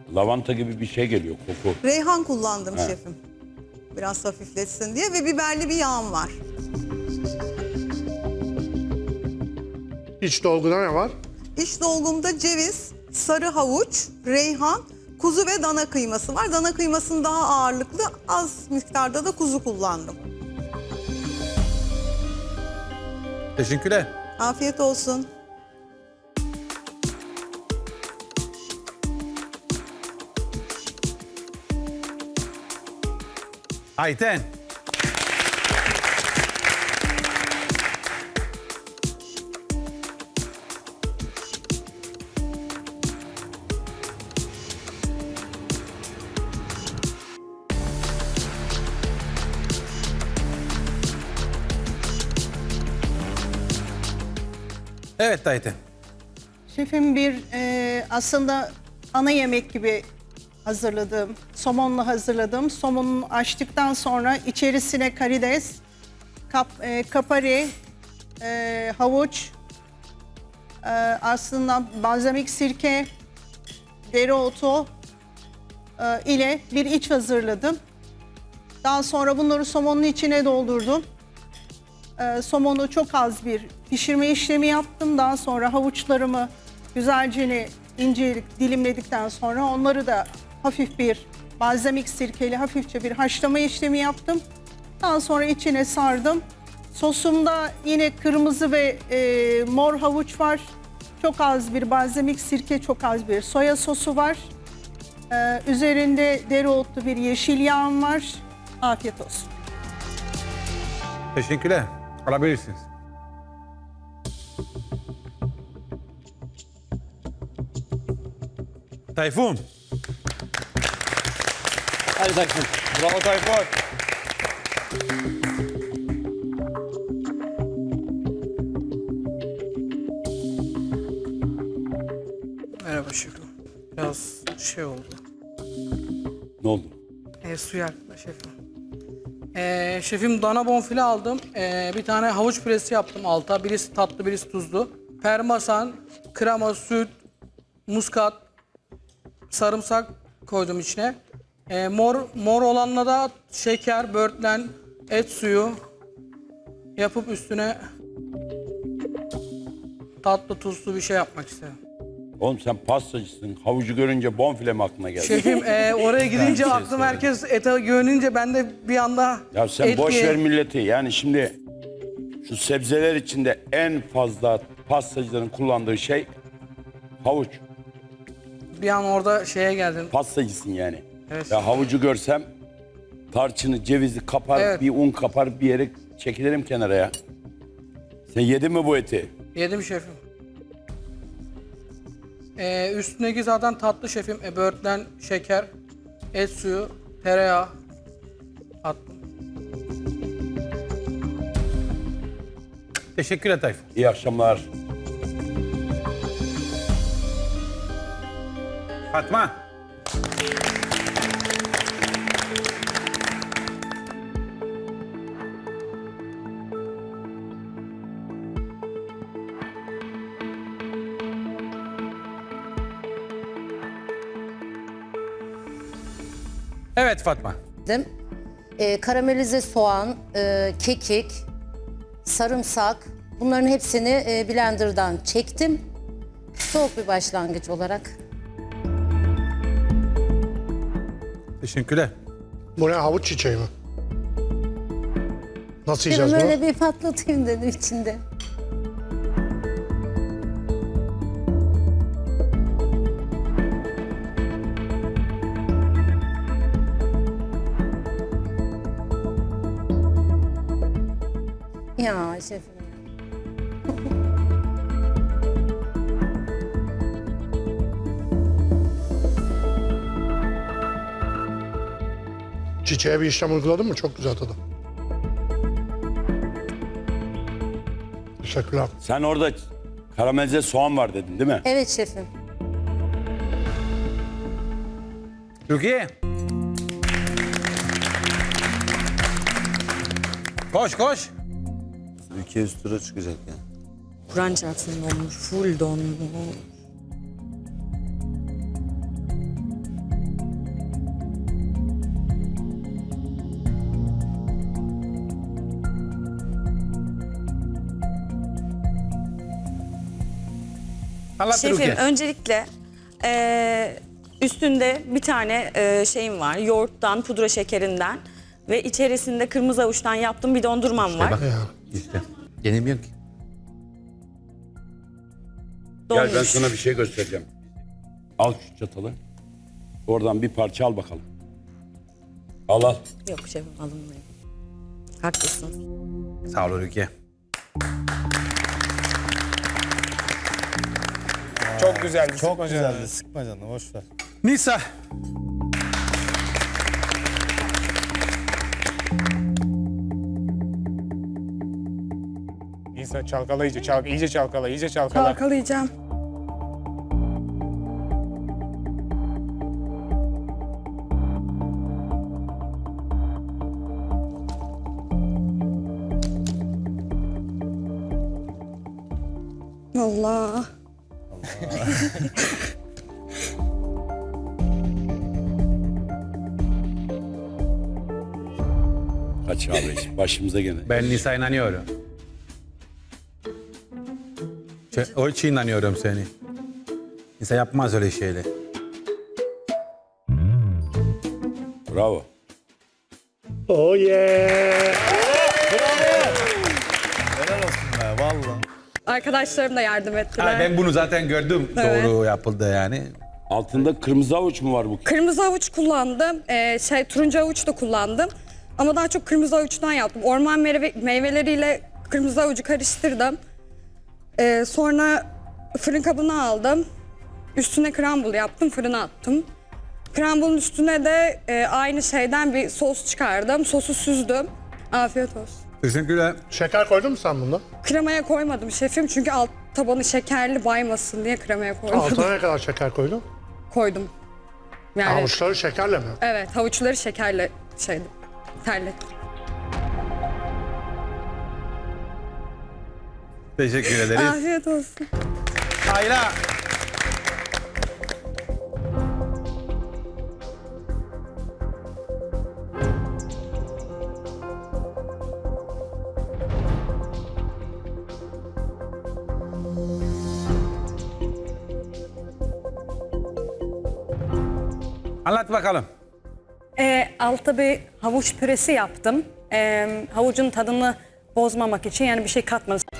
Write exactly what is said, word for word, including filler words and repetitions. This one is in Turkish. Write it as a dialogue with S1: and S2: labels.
S1: lavanta gibi bir şey geliyor, koku.
S2: Reyhan kullandım
S1: He.
S2: şefim. Biraz hafifletsin diye ve biberli bir yağım var.
S3: İç dolguda ne var?
S2: İç dolgumda ceviz, sarı havuç, reyhan, kuzu ve dana kıyması var. Dana kıymasının daha ağırlıklı, az miktarda da kuzu kullandım.
S4: Teşekkürler.
S2: Afiyet olsun.
S4: Ayten. Evet Ayten.
S5: Şefim bir e, aslında ana yemek gibi hazırladığım, somonla hazırladığım. Somonunu açtıktan sonra içerisine karides, kap, e, kapari, e, havuç, e, aslında balzamik sirke, dereotu e, ile bir iç hazırladım. Daha sonra bunları somonun içine doldurdum. E, somonu çok az bir pişirme işlemi yaptım. Daha sonra havuçlarımı güzelce ince dilimledikten sonra onları da hafif bir balzamik sirkeli hafifçe bir haşlama işlemi yaptım. Daha sonra içine sardım. Sosumda yine kırmızı ve e, mor havuç var. Çok az bir balzamik sirke, çok az bir soya sosu var. E, üzerinde dereotlu bir yeşil yağım var. Afiyet olsun.
S4: Teşekkürler. Alabilirsiniz. Tayfun.
S6: Hadi Tayfun. Bravo Tayfun.
S7: Merhaba şefim. Biraz şey oldu.
S1: Ne oldu?
S7: E, su yaktı şefim. E, şefim dana bonfile aldım. E, bir tane havuç püresi yaptım alta. Birisi tatlı, birisi tuzlu. Parmesan, krema, süt, muskat, sarımsak koydum içine. E, mor mor olanla da şeker, böğürtlen, et suyu yapıp üstüne tatlı tuzlu bir şey yapmak istedim.
S1: Oğlum sen pastacısın. Havucu görünce bonfile mi aklına geldi?
S7: Şefim e, oraya gidince
S1: şey
S7: aklım herkes ete görününce ben de bir anda
S1: Ya sen
S7: et
S1: boş
S7: diye-
S1: ver milleti. Yani şimdi şu sebzeler içinde en fazla pastacıların kullandığı şey havuç.
S7: bir an orada şeye geldim.
S1: Pastacısın yani.
S7: Evet.
S1: Ya havucu görsem tarçını, cevizi kapar,
S7: Evet.
S1: bir un kapar, bir yere çekilirim kenara ya. Sen yedin mi bu eti?
S7: Yedim şefim. Ee, üstündeki zaten tatlı şefim. E, böğürtlen, şeker, et suyu, tereyağı attım.
S4: Teşekkürler Tayfun.
S1: İyi akşamlar.
S4: Fatma. Evet Fatma.
S8: E, karamelize soğan, e, kekik, sarımsak, bunların hepsini e, blenderdan çektim. Soğuk bir başlangıç olarak.
S4: Teşekkürler.
S3: Bu ne, havuç çiçeği mi? Nasıl
S8: Dedim
S3: yiyeceğiz bunu?
S8: öyle bir patlatayım dedim içinde. Ya şefim ya.
S3: Çiçeğe bir işlem uyguladın mı? Çok güzel tadı. Teşekkürler.
S1: Sen orada karamelize soğan var dedin değil mi?
S8: Evet şefim.
S4: Türkiye. Koş koş.
S6: Ülke üst tura çıkacak yani.
S9: Kur'an çarpsın donmuş, full donmuş.
S4: Anlat
S9: Şefim
S4: Rukiye.
S9: öncelikle eee, üstünde bir tane eee, şeyim var. Yoğurttan, pudra şekerinden ve içerisinde kırmızı avuçtan yaptığım bir dondurmam var.
S4: Bak işte. Yenemiyor ki.
S1: Gel ben
S9: Donmuş.
S1: sana bir şey göstereceğim. Al şu çatalı. Oradan bir parça al bakalım. Al al.
S9: Yok şefim alınmıyor. Haklısın.
S4: Sağ ol Rukiye.
S6: Çok güzeldi. Çok güzeldi. Sıkma canını boş ver.
S4: Nisa.
S10: İnsan çalkala iyice, çalk, iyice çalkala, iyice çalkala.
S9: Çalkalayacağım. Allah.
S1: Kaç abi başımıza gene.
S4: Ben Nisa inanıyorum. Şey, o için inanıyorum seni. Nisa yapmaz öyle şeyler.
S1: Bravo.
S3: Oh yeah.
S6: Helal olsun be valla.
S9: Arkadaşlarım da yardım ettiler.
S4: Ha, ben bunu zaten gördüm.
S9: Evet.
S4: Doğru yapıldı yani.
S1: Altında kırmızı avuç mu var bu?
S9: Kırmızı havuç kullandım. Ee, şey turuncu havuç da kullandım. Ama daha çok kırmızı havuçtan yaptım. Orman meyve, meyveleriyle kırmızı havucu karıştırdım. Ee, sonra fırın kabına aldım. Üstüne crumble yaptım, fırına attım. Crumble'ın üstüne de e, aynı şeyden bir sos çıkardım. Sosu süzdüm. Afiyet olsun.
S4: Teşekkürler.
S3: Şeker koydun mu sen bunda?
S9: Kremaya koymadım şefim çünkü alt tabanı şekerli baymasın diye kremaya koymadım.
S3: Altına ne kadar şeker koydun?
S9: Koydum. Yani
S3: Havuçları şekerle mi?
S9: evet, havuçları şekerle şeydi, terlettim.
S4: Teşekkür ederiz.
S9: Afiyet olsun.
S4: Ayla. Anlat bakalım.
S11: Ee, altta bir havuç püresi yaptım. Ee, havucun tadını bozmamak için yani bir şey katmadım.